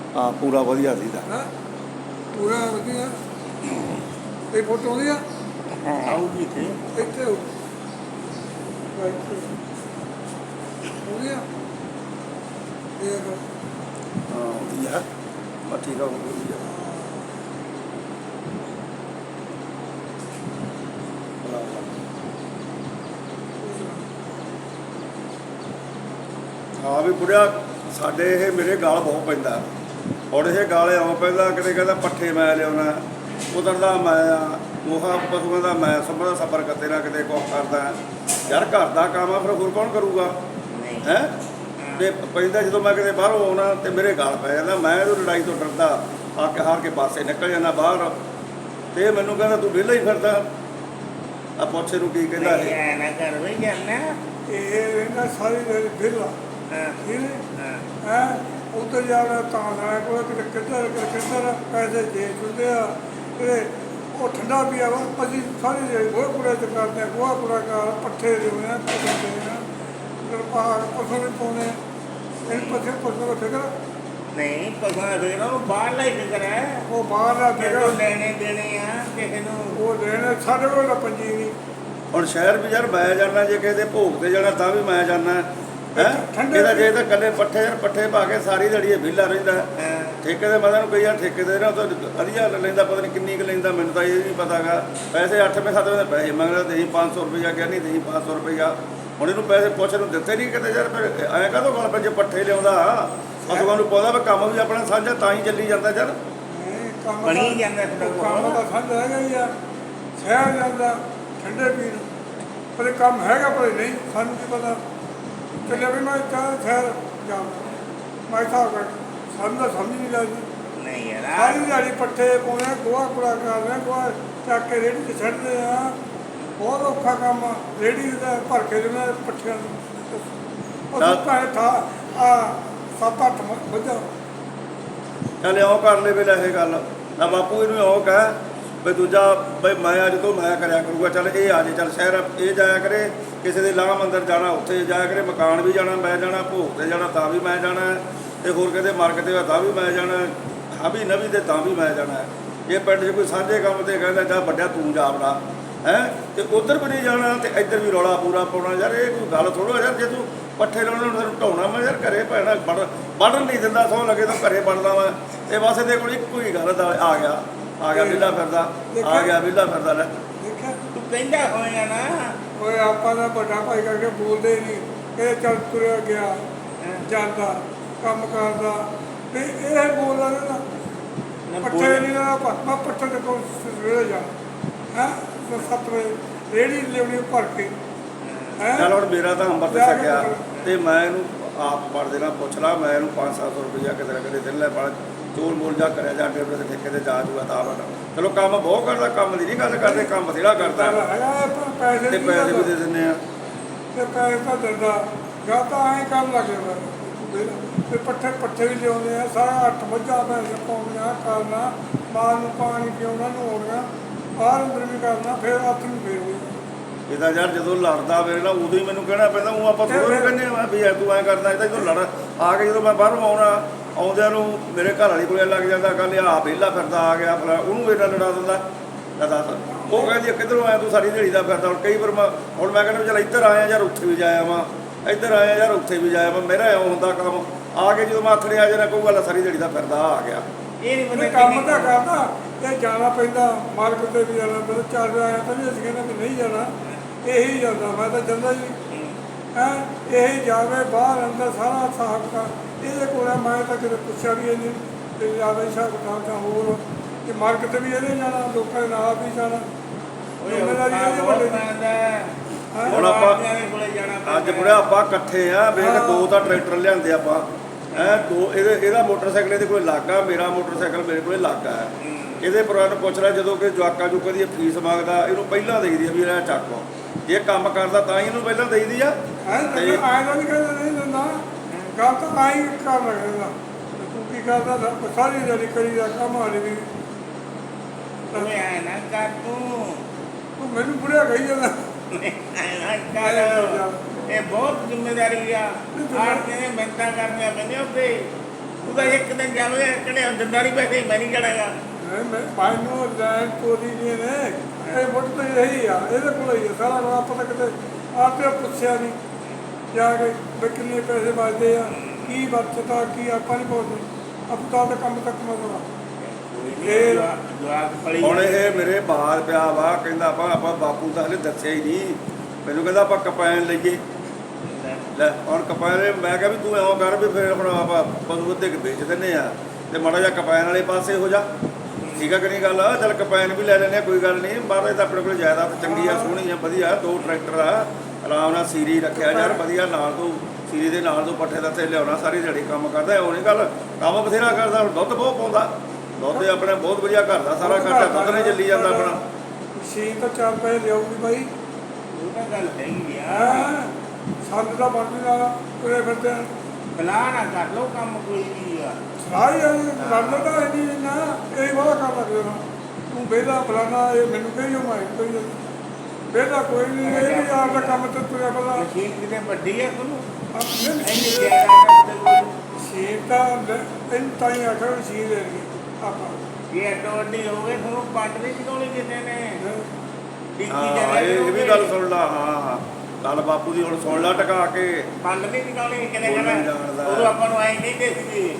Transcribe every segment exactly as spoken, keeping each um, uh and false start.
ਹਾਂ ਪੂਰਾ ਵਧੀਆ ਸੀਗਾ। ਹੈਂ ਪੂਰਾ ਵਧੀਆ। ਇਹ ਫੋਟੋ ਆਉਂਦੀ ਆ ਆਊਗੀ ਇੱਥੇ ਇੱਥੇ ਹੋ ਵਧੀਆ ਇਹ ਹਾਂ ਵਧੀਆ ਬਸ ਠੀਕ ਆ ਵਧੀਆ। ਹਾਂ ਵੀ ਬੁੜਿਆ ਸਾਡੇ ਇਹ ਮੇਰੇ ਗਾਲ ਬਹੁਤ ਪੈਂਦਾ। ਹੁਣ ਇਹ ਗਾਲ ਆਉਂ ਪੈਂਦਾ, ਕਿਤੇ ਕਹਿੰਦਾ ਪੱਠੇ ਮੈਂ ਲਿਆਉਣਾ, ਉਧਰ ਦਾ ਮੈਂ ਆ ਮੋਹਾ ਪਸ਼ੂਆਂ ਦਾ ਮੈਂ ਸੰਭਾ ਸਫਰ ਕਰਦੇ ਨਾ ਕਿਤੇ ਕੁਛ ਕਰਦਾ। ਯਾਰ ਘਰ ਦਾ ਕੰਮ ਆ ਫਿਰ ਹੋਰ ਕੌਣ ਕਰੂਗਾ ਹੈਂ। ਤੇ ਪੈਂਦਾ ਜਦੋਂ ਮੈਂ ਕਿਤੇ ਬਾਹਰੋਂ ਆਉਣਾ ਤੇ ਮੇਰੇ ਗਾਲ ਪੈ ਜਾਂਦਾ। ਮੈਂ ਇਹਨੂੰ ਲੜਾਈ ਤੋਂ ਡਰਦਾ ਆ ਕੇ ਹਾਰ ਕੇ ਪਾਸੇ ਨਿਕਲ ਜਾਂਦਾ ਬਾਹਰ। ਤੇ ਇਹ ਮੈਨੂੰ ਕਹਿੰਦਾ ਤੂੰ ਵਿਹਲਾ ਹੀ ਫਿਰਦਾ। ਆ ਪੁੱਛੇ ਨੂੰ ਕੀ ਕਹਿੰਦਾ ਇਹ ਨਾ ਕਰ ਵੀ ਜਾਣਾ ਇਹ ਰਹਿੰਦਾ ਸਾਰੀ ਦਿਨ ਵਿਹਲਾ ਠੀਕ ਹੈ ਹੈਂ ਉੱਧਰ ਜਾਣਾ ਤਾਂ ਨਾ ਕੋਈ ਕਿਤੇ ਕਿੱਧਰ ਕਿੱਧਰ ਪੈਸੇ ਦੇ ਦਿੰਦੇ ਆ ਤੇ ਉਹ ਠੰਡਾ ਵੀ ਆ ਅਸੀਂ ਸਾਰੀ ਦਿਹਾੜੀ ਗੋਹਾ ਕੂੜਾ ਚ ਕਰਦੇ ਆ ਗੋਹਾ ਕੂੜਾ ਕਰ ਪੱਠੇ ਲਿਆਉਂਦੇ ਆ ਪਸ਼ੂ ਵੀ ਪਾਉਂਦੇ ਇਹ ਪੱਠੇ ਪਸ਼ੂ ਫਿਕਰ ਨਹੀਂ ਪਸਾ ਫਿਕਰ ਉਹ ਬਾਹਰਲਾ ਹੀ ਫਿਕਰ ਹੈ। ਉਹ ਬਾਹਰਲਾ ਫਿਕਰ ਲੈਣੇ ਦੇਣੇ ਆ ਕਿਸੇ ਨੂੰ ਉਹ ਲੈਣੇ ਸਾਡੇ ਕੋਲ ਤਾਂ ਪੰਜੀ ਨਹੀਂ। ਹੁਣ ਸ਼ਹਿਰ ਵੀ ਯਾਰ ਮੈਂ ਜਾਣਾ, ਜੇ ਕਿਸੇ ਦੇ ਭੋਗ ਤੇ ਜਾਣਾ ਤਾਂ ਵੀ ਮੈਂ ਜਾਣਾ ਹੈ। ਇਹਦਾ ਜੇ ਤਾਂ ਇਕੱਲੇ ਪੱਠੇ ਯਾਰ ਪੱਠੇ ਪਾ ਕੇ ਸਾਰੀ ਦਿਹਾੜੀ ਵਿਹਲਾ ਰਹਿੰਦਾ। ਠੇਕੇ ਦੇ ਮਦਨ ਨੂੰ ਕਈ ਯਾਰ ਠੇਕੇ ਦੇ ਨਾ ਤਾਂ ਵਧੀਆ ਲੈਂਦਾ, ਪਤਾ ਨਹੀਂ ਕਿੰਨੀ ਕੁ ਲੈਂਦਾ ਮੈਨੂੰ ਤਾਂ ਇਹ ਨਹੀਂ ਪਤਾ ਗਾ। ਪੈਸੇ ਅੱਠਵੇਂ ਸੱਤਵੇਂ ਦੇ ਪੈਸੇ ਮੰਗਦਾ, ਦੇਈ ਪੰਜ ਸੌ ਰੁਪਈਆ ਕਿਹਾ ਨਹੀਂ ਦੇਈ ਪੰਜ ਸੌ ਰੁਪਈਆ। ਹੁਣ ਇਹਨੂੰ ਪੈਸੇ ਪੁੱਛ ਨੂੰ ਦਿੱਤੇ ਨਹੀਂ ਕਿਤੇ ਯਾਰ। ਫਿਰ ਐਂ ਕਾਹਤੋਂ ਗੱਲ ਪੈ ਜੇ ਪੱਠੇ ਲਿਆਉਂਦਾ ਪਸ਼ੂਆਂ ਨੂੰ ਪਾਉਂਦਾ ਵੀ ਕੰਮ ਵੀ ਆਪਣਾ ਸਾਂਝਾ ਤਾਂ ਹੀ ਚੱਲੀ ਜਾਂਦਾ ਯਾਰ। ਬਣੀ ਜਾਂਦਾ ਕੰਮ ਤਾਂ ਸਾਂਝਾ ਹੈਗਾ ਹੀ ਆ। ਸ਼ਹਿਰ ਜਾਂਦਾ ਠੰਡੇ ਪੀਣ ਪਰ ਕੰਮ ਹੈਗਾ ਪਰ ਨਹੀਂ ਸਾਨੂੰ ਕੀ ਪਤਾ ਚੱਲਿਆ ਵੀ ਮੈਂ ਚਾਹ ਸ਼ਹਿਰ ਜਾਂਦਾ ਮੈਂ ਤਾਂ ਸਾਨੂੰ ਤਾਂ ਸਮਝ ਨਹੀਂ ਲੱਗਦੀ। ਨਹੀਂ ਯਾਰ ਸਾਰੀ ਦਿਹਾੜੀ ਪੱਠੇ ਪਾਉਣੇ ਗੋਹਾ ਕੂੜਾ ਕਰਦੇ ਗੋਹਾ ਚੱਕ ਕੇ ਰੇਹੜੀ 'ਤੇ ਛੱਡਦੇ ਆ। ਬਹੁਤ ਔਖਾ ਕੰਮ ਆ ਰੇਹੜੀ ਦਾ ਭਰ ਕੇ ਦੇਣਾ ਪੱਠਿਆਂ ਨੂੰ। ਉਹ ਭਾਵੇਂ ਥਾ ਆ ਸੱਤ ਅੱਠ ਵੱਜਾ ਚੱਲ ਇਉਂ ਕਰ ਲੈ ਵੇਲੇ ਇਹ ਗੱਲ ਨਾ ਬਾਪੂ ਇਹਨੂੰ ਇਉਂ ਕਹਿ ਬਈ ਦੂਜਾ ਬਈ ਮੈਂ ਅੱਜ ਤੋਂ ਮੈਂ ਕਰਿਆ ਕਰੂਗਾ। ਚੱਲ ਇਹ ਆ ਜੇ ਚੱਲ ਸ਼ਹਿਰ ਇਹ ਜਾਇਆ ਕਰੇ, ਕਿਸੇ ਦੇ ਲਾਹ ਮੰਦਰ ਜਾਣਾ ਉੱਥੇ ਜਾਇਆ ਕਰੇ, ਮਕਾਨ ਵੀ ਜਾਣਾ ਮੈਂ ਜਾਣਾ, ਭੋਗ ਤੇ ਜਾਣਾ ਤਾਂ ਵੀ ਮੈਂ ਜਾਣਾ, ਤੇ ਹੋਰ ਕਿਤੇ ਮਾਰਕੀਟ ਤੇ ਤਾਂ ਵੀ ਮੈਂ ਜਾਣਾ, ਹਾਬੀ ਨਵੀ ਤੇ ਤਾਂ ਵੀ ਮੈਂ ਜਾਣਾ। ਇਹ ਪਿੰਡ 'ਚ ਕੋਈ ਸਾਂਝੇ ਕੰਮ ਤੇ ਕਹਿੰਦਾ ਜਾ ਵੱਡਿਆ ਤੂੰ ਜਾ ਆਪਣਾ ਹੈਂ ਤੇ ਉੱਧਰ ਵੀ ਨਹੀਂ ਜਾਣਾ ਤੇ ਇੱਧਰ ਵੀ ਰੌਲਾ ਪੂਰਾ ਪਾਉਣਾ। ਯਾਰ ਇਹ ਕੋਈ ਗੱਲ ਥੋੜ੍ਹਾ ਯਾਰ। ਜੇ ਤੂੰ ਪੱਠੇ ਲਾਉਣੇ ਨੂੰ ਤੈਨੂੰ ਢਾਉਣਾ ਮੈਂ ਯਾਰ ਘਰੇ ਪੈਣਾ ਵੜ ਵੜਨ ਨਹੀਂ ਦਿੰਦਾ। ਸੌ ਲੱਗੇ ਤਾਂ ਘਰੇ ਵੜਦਾ ਮੈਂ। ਇਹ ਬਸ ਇਹਦੇ ਕੋਲ ਇੱਕੋ ਹੀ ਗੱਲ ਦਾ ਆ ਗਿਆ ਆ ਗਿਆ ਵਿਹਲਾ ਫਿਰਦਾ ਆ ਗਿਆ ਵਿਹਲਾ ਫਿਰਦਾ ਲੈ ਦੇਖਿਆ ਤੂੰ ਕਹਿੰਦਾ ਹੋਇਆ ਨਾ ਓਏ ਆਪਾਂ ਦਾ ਵੱਡਾ ਭਾਈ ਕਰਕੇ ਬੋਲਦੇ ਹੀ ਨਹੀਂ। ਇਹ ਚੱਲ ਤੁਰਿਆ ਗਿਆ ਜਾਂਦਾ ਕੰਮ ਕਰਦਾ ਤੇ ਇਹ ਬੋਲਦਾ ਨਾ ਪੱਠੇ ਨਹੀਂ ਨਾ ਮੈਂ ਪੱਠੇ ਦੇ ਕੋਲ ਸਵੇਰੇ ਜਾ ਹੈਂ ਸੱਤ ਵਜੇ ਰੇਹੜੀ ਲਿਆਉਣੀ ਭਰ ਕੇ ਹੈਂ। ਚੱਲ ਹੁਣ ਮੇਰਾ ਤਾਂ ਅੰਬਰ ਤੇ ਸਕਿਆ ਤੇ ਮੈਂ ਇਹਨੂੰ ਆਪ ਪੜ ਦੇਣਾ ਪੁੱਛ ਲਾ। ਮੈਂ ਇਹਨੂੰ ਪੰਜ ਸੱਤ ਸੌ ਰੁਪਈਆ ਕਿਤੇ ਨਾ ਕਿਤੇ ਦਿਨ ਲੈ ਪਾ ਚੋਲ ਮੋਲ ਜਾ ਕਰਿਆ ਜਾ ਡੇਢ ਦੇ ਠੇਕੇ ਤੇ ਜਾ ਜੂਗਾ ਤਾਂ ਬਣਾ। ਚਲੋ ਕੰਮ ਬਹੁਤ ਕਰਦਾ, ਕੰਮ ਦੀ ਨਹੀਂ ਗੱਲ ਕਰਦੇ, ਕੰਮ ਬਥੇਰਾ ਕਰਦਾ ਪੈਸੇ ਤੇ ਪੈਸੇ ਵੀ ਦੇ ਦਿੰਦੇ ਆ ਤੇ ਪੈਸੇ ਤਾਂ ਦਿੰਦਾ ਜਾਂ ਤਾਂ ਐਂ ਕੰਮ ਲੱਗੇ ਤੇ ਪੱਠੇ ਪੱਠੇ ਵੀ ਲਿਆਉਂਦੇ ਆ ਸਾਰਾ ਅੱਠ ਮੱਝਾਂ ਪੈਸੇ ਪਾਉਣੀਆਂ ਕਰਨਾ, ਮਾਂ ਨੂੰ ਪਾਣੀ ਪਿਆਉਣਾ ਨਹਾਉਣਾ ਬਾਹਰ ਅੰਦਰ ਵੀ ਕਰਨਾ, ਫਿਰ ਹੱਥ ਨੂੰ ਫੇਰ ਹੋਈ ਇਹਦਾ ਯਾਰ ਜਦੋਂ ਲੜਦਾ ਮੇਰੇ ਨਾਲ ਉਦੋਂ ਹੀ ਮੈਨੂੰ ਕਹਿਣਾ ਪੈਂਦਾ। ਉਹ ਆਪਾਂ ਥੋੜ੍ਹਾ ਕਹਿੰਦੇ ਆ ਵੀ ਯਾਰ ਤੂੰ ਐਂ ਕਰਦਾ। ਇਹਦਾ ਜਦੋਂ ਲੜ ਆ ਕੇ ਜਦੋਂ ਮੈਂ ਬਾਹਰੋਂ ਆਉਣਾ ਆਉਂਦਿਆਂ ਨੂੰ ਮੇਰੇ ਘਰ ਵਾਲੀ ਕੋਲੇ ਲੱਗ ਜਾਂਦਾ ਕੱਲ ਆ ਵਿਹਲਾ ਫਿਰਦਾ ਆ ਗਿਆ ਫਲਾ ਉਹਨੂੰ ਮੇਰੇ ਨਾਲ ਲੜਾ ਦਿੰਦਾ। ਲੈ ਦੱਸ ਉਹ ਕਹਿੰਦੀ ਕਿੱਧਰੋਂ ਆਇਆ ਤੂੰ ਸਾਰੀ ਦਿਹਾੜੀ ਦਾ ਫਿਰਦਾ। ਹੁਣ ਕਈ ਵਾਰ ਮੈਂ ਹੁਣ ਮੈਂ ਕਹਿੰਦਾ ਚੱਲ ਇੱਧਰ ਆਇਆ ਯਾਰ ਉੱਥੇ ਵੀ ਜਾਇਆ ਵਾਂ, ਇੱਧਰ ਆਇਆ ਯਾਰ ਉੱਥੇ ਵੀ ਜਾਇਆ ਵਾਂ। ਮੇਰਾ ਇਉਂ ਹੁੰਦਾ ਕੰਮ ਆ ਕੇ ਜਦੋਂ ਮੈਂ ਆਥੜੇ ਆ ਜਾਣਾ ਕਹੂਗਾ ਲੈ ਸਾਰੀ ਦਿਹਾੜੀ ਦਾ ਫਿਰਦਾ ਆ ਗਿਆ। ਇਹ ਨਹੀਂ ਪਤਾ ਕੰਮ ਤਾਂ ਕਰਦਾ ਇਹ ਜਾਣਾ ਪੈਂਦਾ ਮਾਰਕੀਟ ਤੇ ਵੀ ਜਾਣਾ ਪੈਂਦਾ। ਚੱਲ ਆਇਆ ਤਾਂ ਵੀ ਅਸੀਂ ਕਹਿੰਦੇ ਵੀ ਨਹੀਂ ਜਾਣਾ ਇਹੀ ਜਾਂਦਾ। ਮੈਂ ਤਾਂ ਜਾਂਦਾ ਜੀ ਹੈਂ ਇਹੀ ਜਾਵੇ ਬਾਹਰ ਅੰਦਰ ਸਾਰਾ ਹਿਸਾਬ ਕਰ ਇਹਦੇ ਕੋਲ। ਮੈਂ ਤਾਂ ਕਿਤੇ ਪੁੱਛਿਆ ਵੀ ਨਹੀਂ ਤੇ ਜ਼ਿਆਦਾ ਹਿਸਾਬ ਕਿਤਾਬ ਤਾਂ ਹੋਰ ਕਿ ਮਾਰਕੀਟ ਵੀ ਇਹਦੇ ਜਾਣਾ, ਲੋਕਾਂ ਦੇ ਨਾਲ ਵੀ ਜਾਣਾ। ਹੁਣ ਆਪਾਂ ਅੱਜ ਬੁੜਿਆ ਆਪਾਂ ਇਕੱਠੇ ਆ ਵੇਖ ਦੋ ਤਾਂ ਟਰੈਕਟਰ ਲਿਆਂਦੇ ਆਪਾਂ ਹੈਂ ਦੋ। ਇਹਦੇ ਇਹਦਾ ਮੋਟਰਸਾਈਕਲ ਇਹਦੇ ਕੋਲ ਲੱਗਾ, ਮੇਰਾ ਮੋਟਰਸਾਈਕਲ ਮੇਰੇ ਕੋਲ ਲੱਗਾ ਹੈ। ਇਹਦੇ ਪੁਰਾਣ ਪੁੱਛ ਲੈ ਜਦੋਂ ਕਿ ਜਵਾਕਾਂ ਜੁਕਾਂ ਦੀ ਫੀਸ ਮੰਗਦਾ ਇਹਨੂੰ ਪਹਿਲਾਂ ਦੇਈਦੀ ਆ ਵੀ ਇਹ ਚੱਕੋ। ਜੇ ਕੰਮ ਕਰਦਾ ਤਾਂ ਹੀ ਇਹਨੂੰ ਪਹਿਲਾਂ ਦੇਈਦੀ ਆ। ਆਇਆ ਤਾਂ ਨਹੀਂ ਕਹਿੰਦਾ ਨਹੀਂ ਦਿੰਦਾ ਗੱਲ ਤਾਂ ਆਈ ਕਰ ਲੱਗਦਾ ਤੂੰ ਕੀ ਕਰਦਾ ਸਾਰੀ ਦਿਹਾੜੀ ਕਰੀਦਾ ਕੰਮ ਵਾਲੀ ਵੀ ਤੂੰ ਐ ਨਾ ਕਰ ਤੂੰ ਤੂੰ ਮੈਨੂੰ ਬੁੜਿਆ ਕਹੀ ਜਾਂਦਾ ਇਹ ਬਹੁਤ ਜ਼ਿੰਮੇਵਾਰੀ ਆ। ਆੜਤੀਆਂ ਨੇ ਮਿਹਨਤਾਂ ਕਰਨੀਆਂ ਪੈਂਦੀਆਂ ਉੱਤੇ। ਤੂੰ ਤਾਂ ਇੱਕ ਦਿਨ ਜਾਵੇ ਕਿਹੜੇ ਦਿੰਦਾ ਨਹੀਂ ਪੈਸੇ ਮੈਂ ਨਹੀਂ ਜਾਣਾਗਾ ਨਹੀਂ ਮੈਂ ਮੈਨੂੰ ਲੈਣ ਚੋਰੀ ਨਹੀਂ ਨੇ ਇਹ ਮੁੱਢ ਤੋਂ ਇਹੀ ਆ ਇਹਦੇ ਕੋਲ ਹੀ ਆ ਸਾਰਾ ਰੌਲਾ ਪਤਾ ਕਿਤੇ ਆਪੇ ਪੁੱਛਿਆ ਨਹੀਂ ਜਾ ਕੇ ਵੀ ਕਿੰਨੇ ਪੈਸੇ ਵੱਜਦੇ ਆ ਕੀ ਵਰਤਦਾ ਕੀ ਆਪਾਂ ਨਹੀਂ ਪੁੱਛਦੇ ਆਪਾਂ ਤਾਂ ਕੰਮ ਤੱਕ ਮਜ਼ਾ ਇਹ ਜਵਾਕ ਪੜੀ ਹੁਣ ਇਹ ਮੇਰੇ ਬਾਹਰ ਪਿਆ ਵਾ ਕਹਿੰਦਾ ਆਪਾਂ ਆਪਾਂ ਬਾਪੂ ਤਾਂ ਹਲੇ ਦੱਸਿਆ ਹੀ ਨਹੀਂ ਮੈਨੂੰ ਕਹਿੰਦਾ ਆਪਾਂ ਕਪੈਨ ਲਈਏ ਲੈ ਹੁਣ ਕਪੈਨ ਮੈਂ ਕਿਹਾ ਵੀ ਤੂੰ ਐਂ ਕਰ ਵੀ ਫਿਰ ਹੁਣ ਆਪਾਂ ਪਸ਼ੂ ਅੱਧੇ ਕੁ ਵੇਚ ਦਿੰਦੇ ਆ ਤੇ ਮਾੜਾ ਜਿਹਾ ਕਪੈਨ ਵਾਲੇ ਪਾਸੇ ਹੋ ਜਾ ਠੀਕ ਆ ਕਿ ਨਹੀਂ ਗੱਲ ਚੱਲ ਕਪੈਨ ਵੀ ਲੈ ਲੈਂਦੇ ਆ ਕੋਈ ਗੱਲ ਨਹੀਂ ਮਹਾਰਾਜ ਤਾਂ ਆਪਣੇ ਕੋਲ ਜਾਇਦਾਦ ਚੰਗੀ ਆ ਸੋਹਣੀ ਆ ਵਧੀਆ ਦੋ ਟਰੈਕਟਰ ਆ ਆਰਾਮ ਨਾਲ ਸੀਰੀ ਰੱਖਿਆ ਯਾਰ ਵਧੀਆ ਨਾਲ ਤੋਂ ਸੀਰੀ ਦੇ ਨਾਲ ਤੋਂ ਪੱਠੇ ਦਾ ਤੇ ਲਿਆਉਣਾ ਸਾਰੀ ਦਿਹਾੜੀ ਕੰਮ ਕਰਦਾ ਉਹ ਨਹੀਂ ਗੱਲ ਕੰਮ ਬਥੇਰਾ ਕਰਦਾ ਹੁਣ ਦੁੱਧ ਬਹੁਤ ਪਾਉਂਦਾ ਦੁੱਧ ਆਪਣੇ ਬਹੁਤ ਵਧੀਆ ਘਰ ਦਾ ਸਾਰਾ ਖਰਚਾ ਦੁੱਧ ਨੇ ਚੱਲੀ ਜਾਂਦਾ ਆਪਣਾ ਛੇ ਤਾਂ ਚਾਰ ਪੈਸੇ ਲਿਆਉਗੀ ਬਾਈ ਉਹ ਤਾਂ ਗੱਲ ਹੈਗੀ ਆ ਹਾਂ ਸਾਨੂੰ ਤਾਂ ਬਣਦੀ ਨਾ ਤੁਰੇ ਫਿਰਦੇ ਆ ਬਲਾ ਨਾ ਕਰ ਲੋ ਕੰਮ ਕੋਈ ਵੀ ਆ ਸਾਰੀ ਲੜਦਾ ਤਾਂ ਇੰਨੀ ਨਾ ਇਹ ਵਾਲਾ ਕਰ ਲੱਗਦਾ ਨਾ ਤੂੰ ਵਿਹਲਾ ਫਲਾਣਾ ਇਹ ਮੈਨੂੰ ਕਹੀ ਜੋ ਮੈਂ ਕਹੀ ਵਿਹਲਾ ਕੋਈ ਨਹੀਂ ਇਹ ਵੀ ਆਪ ਦਾ ਕੰਮ ਤੇ ਤੁਰਿਆ ਫਿਰਦਾ ਮਸ਼ੀਨ ਕਿਤੇ ਵੱਡੀ ਆ ਤੁਹਾਨੂੰ ਆਪਣੇ ਇੰਨੀ ਜ਼ਿਆਦਾ ਕਰਦੇ ਕੋਈ ਸੀਟ ਤਾਂ ਤਿੰਨ ਤਾਈ ਆਖਰ ਸੀ ਦੇ ਰਹੀ ਆਪਾਂ ਇਹ ਐਟੋ ਵੱਡੀ ਹੋ ਗਏ ਤੁਹਾਨੂੰ ਪੱਟ ਨਹੀਂ ਚਕਾਉਣੀ ਕਿਤੇ ਨੇ ਡਿੱਗੀ ਹਾਂ ਜਗ੍ਹਾ ਇਹ ਇਹ ਵੀ ਗੱਲ ਸੁਣ ਲਾ ਹਾਂ ਹਾਂ ਗੱਲ ਬਾਪੂ ਦੀ ਹੁਣ ਸੁਣ ਲਾ ਟਕਾ ਕੇ ਪੱਟ ਨਹੀਂ ਚਕਾਉਣੀ ਕਿਤੇ ਬੋਲਣਾ ਹੀ ਜਗ੍ਹਾ ਜਾਣਦਾ। ਉਦੋਂ ਆਪਾਂ ਨੂੰ ਆਈ ਨਹੀਂ ਦੇਖਦੀ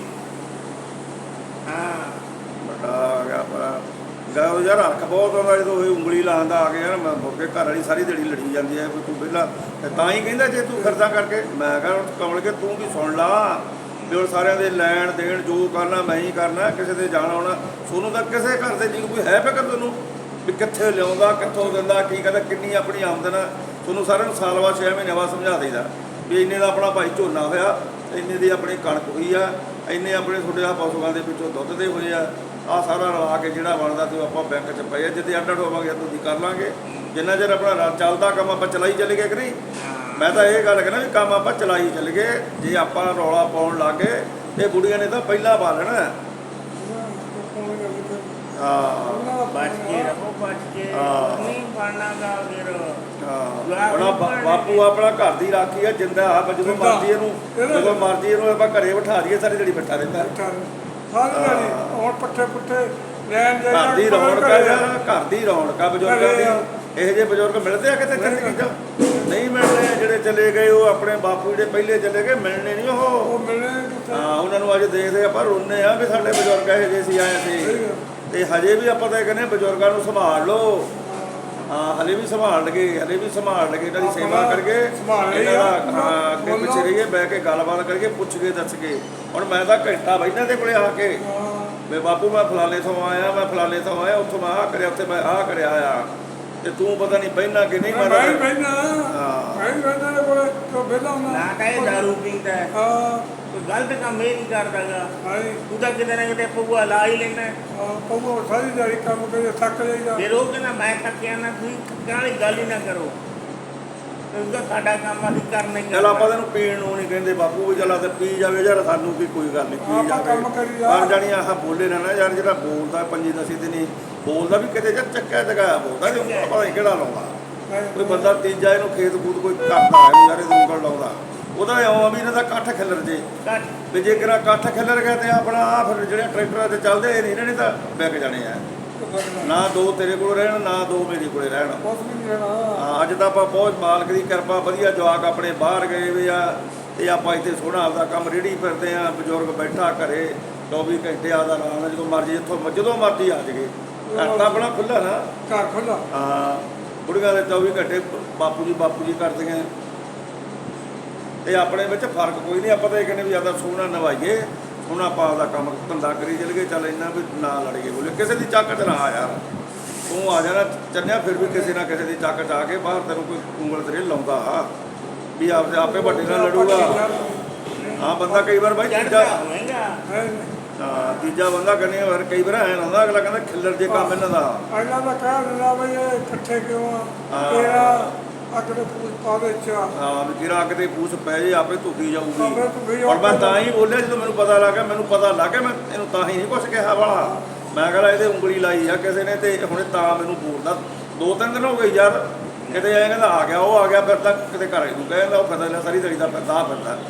ਹਾਂ ਵੱਡਾ ਆ ਗਿਆ ਪਰ ਗਾ ਯਾਰ ਹੱਕ ਬਹੁਤ ਆਉਂਦਾ ਜਦੋਂ ਇਹ ਉਂਗਲੀ ਲਾਉਂਦਾ ਆ ਕੇ ਯਾਰ ਮੈਂ ਮੁੜ ਕੇ ਘਰ ਵਾਲੀ ਸਾਰੀ ਦਿਹਾੜੀ ਲੜੀ ਜਾਂਦੀ ਹੈ ਵੀ ਤੂੰ ਪਹਿਲਾਂ ਤੇ ਤਾਂ ਹੀ ਕਹਿੰਦਾ ਜੇ ਤੂੰ ਖਰਚਾ ਕਰਕੇ ਮੈਂ ਕਿਹਾ ਕਮਲ ਕੇ ਤੂੰ ਵੀ ਸੁਣ ਲਾ ਵੀ ਹੁਣ ਸਾਰਿਆਂ ਦੇ ਲੈਣ ਦੇਣ ਜੋ ਕਰਨਾ ਮੈਂ ਹੀ ਕਰਨਾ ਕਿਸੇ ਦੇ ਜਾਣਾ ਆਉਣਾ ਸੋਨੂੰ ਤਾਂ ਕਿਸੇ ਘਰ ਦੇ ਜੀ ਕੋਈ ਹੈ ਫਿਕਰ ਤੈਨੂੰ ਵੀ ਕਿੱਥੇ ਲਿਆਉਂਦਾ ਕਿੱਥੋਂ ਦਿੰਦਾ ਕੀ ਕਹਿੰਦਾ ਕਿੰਨੀ ਆਪਣੀ ਆਮਦਨ ਆ ਤੁਹਾਨੂੰ ਸਾਰਿਆਂ ਨੂੰ ਸਾਲ ਬਾਅਦ ਛੇ ਮਹੀਨੇ ਬਾਅਦ ਸਮਝਾ ਦੇਈਦਾ ਵੀ ਇੰਨੇ ਦਾ ਆਪਣਾ ਭਾਈ ਝੋਨਾ ਹੋਇਆ ਇੰਨੇ ਦੀ ਆਪਣੀ ਕਣਕ ਹੋਈ ਆ ਇੰਨੇ ਆਪਣੇ ਤੁਹਾਡੇ ਆ ਪਸ਼ੂਆਂ ਦੇ ਵਿੱਚੋਂ ਦੁੱਧ ਦੇ ਹੋਏ ਆ ਆ ਸਾਰਾ ਰਲਾ ਕੇ ਜਿਹੜਾ ਬਣਦਾ ਤੇ ਆਪਾਂ ਬੈਂਕ 'ਚ ਪਏ ਆ ਜਿੱਦੇ ਅੱਡ ਅੱਡ ਹੋਵਾਂਗੇ ਤੁਸੀਂ ਕਰ ਲਾਂਗੇ ਜਿੰਨਾ ਚਿਰ ਆਪਣਾ ਚੱਲਦਾ ਕੰਮ ਆਪਾਂ ਚਲਾਈ ਚੱਲ ਗਏ ਕਿ ਨਹੀਂ ਮੈਂ ਤਾਂ ਇਹ ਗੱਲ ਕਹਿੰਦਾ ਵੀ ਕੰਮ ਆਪਾਂ ਚਲਾਈ ਚੱਲ ਗਏ ਜੇ ਆਪਾਂ ਰੌਲਾ ਪਾਉਣ ਲੱਗੇ ਇਹ ਬੁੜੀਆਂ ਨੇ ਤਾਂ ਪਹਿਲਾਂ ਪਾ ਲੈਣਾ ਹਾਂ ਬਚ ਕੇ ਰਹੋ ਬਚ ਕੇ ਹਾਂ। ਨਹੀਂ ਬਣਨਾਗਾ ਫਿਰ ਹਾਂ ਹੁਣ ਬਾ- ਬਾਪੂ ਆਪਣਾ ਘਰ ਦੀ ਰਾਖੀ ਆ ਜਿੰਦਾ ਆ ਜਦੋਂ ਜਿੰਦਾ। ਮਰਜ਼ੀ ਇਹਨੂੰ ਜਦੋਂ ਮਰਜ਼ੀ ਇਹਨੂੰ ਆਪਾਂ ਘਰੇ ਬਿਠਾ ਦਈਏ ਸਾਰੀ ਜਿਹੜੀ ਬੈਠਾ ਰਹਿੰਦਾ ਸਾਰੀ ਦਿਹਾੜੀ ਹੁਣ ਪੱਠੇ ਪੁੱਠੇ ਲੈਣ ਜਾਈਦਾ ਘਰ ਦੀ ਰੌਣਕ ਆ ਯਾਰ ਘਰ ਦੀ ਰੌਣਕ ਆ ਬਜ਼ੁਰਗਾਂ ਦੀ ਇਹੋ ਜਿਹੇ ਬਜ਼ੁਰਗ ਮਿਲਦੇ ਆ ਕਿਤੇ ਜ਼ਿੰਦਗੀ 'ਚ ਨਹੀਂ ਮਿਲਦੇ ਜਿਹੜੇ ਚਲੇ ਗਏ ਉਹ ਆਪਣੇ ਬਾਪੂ ਜਿਹੜੇ ਪਹਿਲੇ ਚਲੇ ਗਏ ਮਿਲਣੇ ਨਹੀਂ ਉਹ ਉਹ ਮਿਲਣੇ ਕਿੱਥੇ ਹਾਂ ਉਹਨਾਂ ਨੂੰ ਅੱਜ ਦੇਖਦੇ ਆਪਾਂ ਰੋਂਦੇ ਆ ਵੀ ਸਾਡੇ ਬਜ਼ੁਰਗ ਇਹੋ ਜਿਹੇ ਸੀ ਆਏ ਸੀ ਤੇ ਹਜੇ ਵੀ ਆਪਾਂ ਤਾਂ ਇਹ ਕਹਿੰਦੇ ਬਜ਼ੁਰਗਾਂ ਨੂੰ ਸੰਭਾਲ ਲਓ ਹਾਂ ਹਲੇ ਵੀ ਸੰਭਾਲ ਲਗੇ ਹਲੇ ਵੀ ਸੰਭਾਲ ਲਗੇ ਇਹਨਾਂ ਦੀ ਸੇਵਾ ਕਰਕੇ ਇਹਨਾਂ ਦਾ ਹਾਂ ਅੱਗੇ ਪਿੱਛੇ ਰਹੀਏ ਬਹਿ ਕੇ ਗੱਲਬਾਤ ਕਰਕੇ ਪੁੱਛ ਕੇ ਦੱਸ ਕੇ ਹੁਣ ਮੈਂ ਤਾਂ ਘੰਟਾ ਬੈਠਾ ਦੇ ਕੋਲੇ ਆ ਕੇ ਵੇ ਬਾਪੂ ਮੈਂ ਫਲਾਣੇ ਤੋਂ ਆਇਆ ਮੈਂ ਫਲਾਣੇ ਤੋਂ ਆਇਆ ਉੱਥੋਂ ਮੈਂ ਆਹ ਕਰਿਆ ਉੱਥੇ ਮੈਂ ਆਹ ਕਰਿਆ ਆ ਤੇ ਤੂੰ ਪਤਾ ਨਹੀਂ ਬਹਿਣਾ ਕਿ ਨਹੀਂ ਮੈਂ ਮੈਂ ਹੀ ਬਹਿਣਾ ਹਾਂ। ਮੈਂ ਹੀ ਬਹਿਣਾ ਦੇ ਕੋਲੇ ਤੋਂ ਵਿਹਲਾ ਹੁੰਦਾ ਨਾ ਤਾਂ ਇਹ ਦਾਰੂ ਪੀਂਦਾ ਹੈ, ਹਾਂ ਕੋਈ ਗਲਤ ਕੰਮ ਇਹ ਨਹੀਂ ਕਰਦਾਗਾ ਹਾਈ ਤੂੰ ਤਾਂ ਕਿਤੇ ਨਾ ਕਿਤੇ ਪਊਆ ਲਾ ਹੀ ਲੈਣਾ ਪਊ ਸਾਰੀ ਦਿਹਾੜੀ ਕੰਮ ਕਰੇ ਥੱਕ ਜਾਈਦਾ ਫਿਰ ਉਹ ਕਹਿੰਦਾ ਮੈਂ ਥੱਕਿਆ ਨਾ ਤੁਸੀਂ ਥੱਕਣ ਵਾਲੀ ਗੱਲ ਹੀ ਨਾ ਕਰੋ ਉਹਦਾ ਸਾਡਾ ਕੰਮ ਅਸੀਂ ਕਰਨਾ ਹੀ ਚੱਲ ਆਪਾਂ ਤੈਨੂੰ ਪੀਣ ਨੂੰ ਨਹੀਂ ਕਹਿੰਦੇ ਬਾਪੂ ਵੀ ਚੱਲ ਤੇ ਪੀ ਜਾਵੇ ਯਾਰ ਸਾਨੂੰ ਵੀ ਕੋਈ ਗੱਲ ਨਹੀਂ ਪੀ ਆਪਾਂ ਜਾਵੇ ਕੰਮ ਕਰੀ ਜਾ। ਪਰ ਜਾਣੀ ਆਹ ਬੋਲੇ ਨਾ ਨਾ ਯਾਰ ਜਿਹੜਾ ਬੋਲਦਾ ਪੰਜੀ ਦਸੀ ਦਿਨੀ ਬੋਲਦਾ ਵੀ ਕਿਤੇ ਯਾਰ ਚੱਕਿਆ ਜਗਾਇਆ ਬੋਲਦਾ ਤੇ ਉਹਨੂੰ ਪਤਾ ਨਹੀਂ ਕਿਹੜਾ ਲਾਉਂਦਾ ਕੋਈ ਬੰਦਾ ਤੀਜਾ ਇਹਨੂੰ ਖੇਤ ਖੂਤ ਕੋਈ ਕਰਦਾ ਹੈ ਯਾਰ ਇਹਨੂੰ ਉਂਗਲ ਲਾਉਂਦਾ ਉਹਦਾ ਇਉਂ ਆ ਵੀ ਇਹਨਾਂ ਦਾ ਇਕੱਠ ਖਿਲਰ ਜੇ ਘੱਟ ਵੀ ਜੇ ਕਿਰਾ ਇਕੱਠ ਖਿਲਰ ਗਿਆ ਤੇ ਆਪਣਾ ਆ ਫਿਰ ਜਿਹੜੇ ਟਰੈਕਟਰਾਂ ਤੇ ਚੱਲਦੇ ਇਹ ਨਹੀਂ ਇਹਨਾਂ ਨੇ ਤਾਂ ਵਿਕ ਜਾਣੇ ਆ ਨਾ ਦੋ ਤੇਰੇ ਕੋਲ ਰਹਿਣ ਨਾ ਦੋ ਮੇਰੇ ਕੋਲੇ ਰਹਿਣ ਕੁਛ ਵੀ ਨਹੀਂ ਰਹਿਣਾ ਹਾਂ ਅੱਜ ਤਾਂ ਆਪਾਂ ਬਹੁਤ ਮਾਲਕ ਦੀ ਕਿਰਪਾ ਵਧੀਆ ਜਵਾਕ ਆਪਣੇ ਬਾਹਰ ਗਏ ਵੇ ਆ ਤੇ ਆਪਾਂ ਇੱਥੇ ਸੋਹਣਾ ਆਪਦਾ ਕੰਮ ਰੇੜੀ ਫਿਰਦੇ ਆ ਬਜ਼ੁਰਗ ਬੈਠਾ ਘਰੇ ਚੌਵੀ ਘੰਟੇ ਆਦਾ ਆਰਾਮ ਨਾਲ ਜਦੋਂ ਮਰਜ਼ੀ ਇੱਥੋਂ ਜਦੋਂ ਮਰਜ਼ੀ ਆ ਜਗੇ ਘਰ ਤਾਂ ਆਪਣਾ ਖੁੱਲ੍ਹਾ ਨਾ ਘਰ ਖੁੱਲਾ ਹਾਂ ਬੁੜੀਆਂ ਦੇ ਚੌਵੀ ਘੰਟੇ ਬਾਪੂ ਜੀ ਬਾਪੂ ਜੀ ਕਰਦੀਆਂ ਤੇ ਆਪਣੇ ਵਿੱਚ ਫਰਕ ਕੋਈ ਨਹੀਂ ਆਪਾਂ ਤਾਂ ਇਹ ਕਹਿੰਦੇ ਵੀ ਜ਼ਿਆਦਾ ਸੋਹਣਾ ਨਵਾਈਏ ਹੁਣ ਆਪਾਂ ਆਪਦਾ ਕੰਮ ਧੰਦਾ ਕਰੀ ਚੱਲ ਗਏ ਚੱਲ ਇੰਨਾ ਵੀ ਨਾ ਲੜੀਏ ਬੋਲੇ ਕਿਸੇ ਦੀ ਚੱਕ 'ਚ ਨਾ ਆ ਯਾਰ ਤੂੰ ਆ ਜਾਣਾ ਚੰਨਿਆ ਫਿਰ ਵੀ ਕਿਸੇ ਨਾ ਕਿਸੇ ਦੀ ਚੱਕ 'ਚ ਆ ਕੇ ਬਾਹਰ ਤੈਨੂੰ ਕੋਈ ਉਂਗਲ ਤੇਰੇ ਲਾਉਂਦਾ ਆ ਵੀ ਆਪਦੇ ਆਪੇ ਵੱਡੇ ਨਾਲ ਲੜੂਗਾ ਹਾਂ ਬੰਦਾ ਕਈ ਵਾਰ ਬਾਈ ਤੀਜਾ ਚੜਦਾ ਹੋਵੇਗਾ ਹਾਂ ਤੀਜਾ ਬੰਦਾ ਕਰਨੇ ਵਾਰ ਕਈ ਵਾਰ ਐਂ ਹੁੰਦਾ ਅਗਲਾ ਕਹਿੰਦਾ ਖਿੱਲਰ ਜੇ ਕੰਮ ਇਹਨਾਂ ਦਾ ਅਗਲਾ ਤਾਂ ਕਹਿ ਦਿੰਦਾ ਬਈ ਇਹ ਇਕੱਠੇ ਕਿਉਂ ਆ ਹਾਂ। ਤੇਰਾ ਅਗਲੇ ਪੂਛ ਪਾਵੇ ਚਾ ਹਾਂ ਵੀ ਕਿਰਾ ਕਿਤੇ ਪੂਛ ਪੈ ਜੇ ਆਪੇ ਧੁੱਕੀ ਜਾਊਗੀ ਆਪੇ ਧੁੱਕੀ ਔਰ ਮੈਂ ਤਾਂ ਹੀ ਬੋਲਿਆ ਜਦੋਂ ਮੈਨੂੰ ਪਤਾ ਲੱਗਾ ਮੈਨੂੰ ਪਤਾ ਲੱਗ ਗਿਆ ਮੈਂ ਇਹਨੂੰ ਤਾਂ ਹੀ ਨਹੀਂ ਕੁਛ ਕਿਹਾ ਵਾਲਾ ਮੈਂ ਕਹਿੰਦਾ ਇਹਦੇ ਉਂਗਲੀ ਲਾਈ ਆ ਕਿਸੇ ਨੇ ਤੇ ਹੁਣੇ ਤਾਂ ਮੈਨੂੰ ਬੋਲਦਾ ਦੋ ਤਿੰਨ ਦਿਨ ਹੋ ਗਏ ਯਾਰ ਕਿਤੇ ਐਂ ਕਹਿੰਦਾ ਆ ਗਿਆ ਉਹ ਆ ਗਿਆ ਫਿਰ ਤਾਂ ਕਿਤੇ ਘਰ ਨੂੰ ਕਹਿੰਦਾ ਉਹ ਫਿਰਦਾ ਸਾਰੀ ਦਿਹਾੜੀ ਦਾ ਫਿਰਦਾ ਫਿਰਦਾ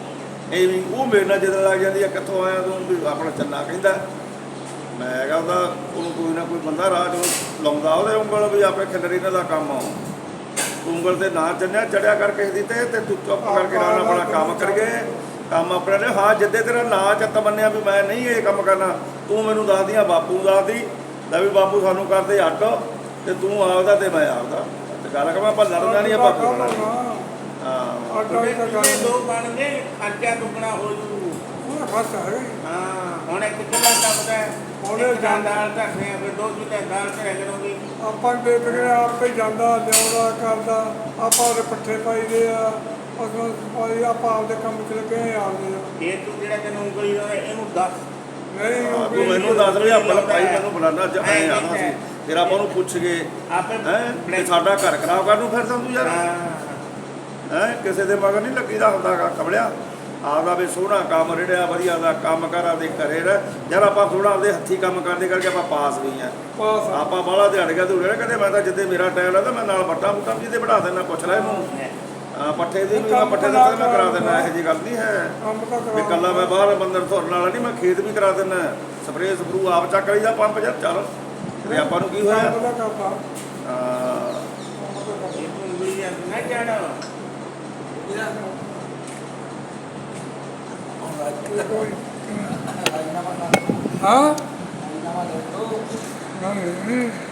ਐਵੇਂ ਉਹ ਮੇਰੇ ਨਾਲ ਜਦੋਂ ਲੱਗ ਜਾਂਦੀ ਆ, ਕਿੱਥੋਂ ਆਇਆ ਤੂੰ? ਵੀ ਆਪਣਾ ਚੰਨਾ ਕਹਿੰਦਾ। ਮੈਂ ਹੈਗਾ ਉਹਦਾ, ਉਹਨੂੰ ਕੋਈ ਨਾ ਕੋਈ ਬੰਦਾ ਰਾਹ 'ਚ ਲਾਉਂਦਾ ਉਹਦੇ ਉਂਗਲ ਵੀ ਆਪੇ ਖਿਲਰੀ ਇਹਨਾਂ ਦਾ ਕੰਮ ਆ। ਉਂਗਲ ਤੇ ਨਾ ਚੰਨਿਆ ਚੜਿਆ ਕਰ ਕਿਸੇ ਦੀ ਤੇ ਤੇ ਤੂੰ ਚੁੱਪ ਕਰਕੇ ਨਾਲ ਆਪਣਾ ਕੰਮ ਕਰੀਏ, ਕੰਮ ਆਪਣੇ ਨੇ। ਹਾਂ ਜਿੱਦੇ ਤੇਰਾ ਨਾਂ ਚਿੱਤ ਮੰਨਿਆ ਵੀ ਮੈਂ ਨਹੀਂ ਇਹ ਕੰਮ ਕਰਨਾ, ਤੂੰ ਮੈਨੂੰ ਦੱਸਦੀਆਂ ਬਾਪੂ ਦੱਸਦੀ ਲੈ ਵੀ ਬਾਪੂ ਸਾਨੂੰ ਕਰਦੇ ਅੱਡ, ਤੇ ਤੂੰ ਆਪਦਾ ਤੇ ਮੈਂ ਆਪਦਾ। ਤੇ ਗੱਲ ਕਹਾਂ ਆਪਾਂ ਲੜਨਾ ਨਹੀਂ, ਆਪਾਂ ਬੋਲਣਾ ਨਹੀਂ। ਹਾਂ ਆਟਾ ਵੀ ਤਾਂ ਗੱਲ ਇਹ ਦੋ ਬਣ ਗਏ, ਖਰਚਾ ਦੁੱਗਣਾ ਹੋ ਜੂ। ਉਹਦਾ ਖਰਚ ਹੈਗਾ ਹੀ। ਹਾਂ ਹੁਣ ਇੱਕ ਕਿੱਲਾ ਟੱਪਦਾ ਹੈ, ਉਹਨੇ ਉਹਨੇ ਦਾਲ ਧਰਦੇ ਆ, ਫਿਰ ਦੋ ਕਿੱਲੇ ਦਾਲ ਤੇ ਕਰੋਗੇ। ਆਪਾਂ ਦੇ ਤਕੜੇ ਆਪੇ ਜਾਂਦਾ ਲਿਆਉਂਦਾ ਕਰਦਾ, ਆਪਾਂ ਉਹਦੇ ਪੱਠੇ ਪਾਈਦੇ ਆ, ਅਸਾਂ ਪਾਈ ਆਪਾਂ ਆਪਦੇ ਕੰਮ 'ਚ ਲੱਗੇ ਆ ਆਪਦੇ ਆ। ਇਹ ਤੂੰ ਜਿਹੜਾ ਤੈਨੂੰ ਉਂਗਲੀ ਲਾਉਂਦਾ ਇਹਨੂੰ ਦੱਸ। ਨਹੀਂ ਹਾਂ, ਉਹ ਤੂੰ ਮੈਨੂੰ ਦੱਸ ਵੀ ਆਪਣਾ ਭਾਈ ਮੈਨੂੰ ਬੁਲਾਣਾ ਚ ਐਂ ਆਣਾ ਸੀ, ਫਿਰ ਆਪਾਂ ਉਹਨੂੰ ਪੁੱਛ ਗਏ ਆਪੇ ਹੈ ਤੇ ਸਾਡਾ ਘਰ ਖਰਾਬ ਕਰਨ ਨੂੰ ਫਿਰਦਾ ਤੂੰ ਯਾਰ। ਹਾਂ ਹੈ ਕਿਸੇ ਦੇ ਮਗਰ ਨਹੀਂ ਲੱਗੀਦਾ ਹੁੰਦਾ ਗਾ ਕਮਲਿਆ। ਆਪਦਾ ਵੀ ਸੋਹਣਾ ਕੰਮ ਰਿੜਿਆ ਵਧੀਆ ਦਾ ਕੰਮ ਕਰ, ਆਪਦੇ ਘਰੇ ਰਹਿ ਯਾਰ। ਆਪਾਂ ਥੋੜਾ ਆਪਦੇ ਹੱਥੀਂ ਕੰਮ ਕਰਦੇ ਕਰਕੇ ਆਪਾਂ ਪਾਸ ਵੀ ਆ। ਪਾਸ ਆ। ਆਪਾਂ ਬਾਹਲਾ ਦਿਹਾੜ ਗਿਆ ਧੂੜੇ ਕਦੇ ਮੈਂ ਤਾਂ ਜਿੱਦੇ ਮੇਰਾ ਟਾਈਮ ਲੱਗਦਾ ਮੈਂ ਨਾਲ ਬੱਟਾ ਬੁੱਟਾ ਵੀ ਤੇ ਬਣਾ ਦੇਣਾ, ਪੁੱਛ ਲੈ ਇਹਨੂੰ। ਹਾਂ ਪੱਠੇ ਦੀ ਵੀ ਮੈਂ ਪੱਠੇ ਦਾ ਮੈਂ ਕਰਾ ਦਿੰਦਾ, ਇਹੋ ਜਿਹੀ ਗੱਲ ਨਹੀਂ ਹੈ ਕੰਮ ਤਾਂ ਵੀ ਕਰਾ ਇਕੱਲਾ ਮੈਂ ਬਾਹਰ ਬੰਦਰ ਧੁਰਨ ਵਾਲਾ ਨਹੀਂ, ਮੈਂ ਖੇਤ ਵੀ ਕਰਾ ਦਿੰਦਾ। ਸਪਰੇਅ ਸਪਰੂ ਆਪ ਚੱਕ ਲਈਦਾ ਪੰਪ ਯਾਰ, ਚੱਲ ਤੇ ਆਪਾਂ ਨੂੰ ਕੀ ਹੋਇਆ। ਕੰਮ ਤਾਂ ਕਰਦਾ। ਹਾਂ ਇਹ ਤੂੰ ਉਂਗਲੀ ਆ ਨਾ ਜਾਣਾ। ਹਾਂ? ਨਹੀਂ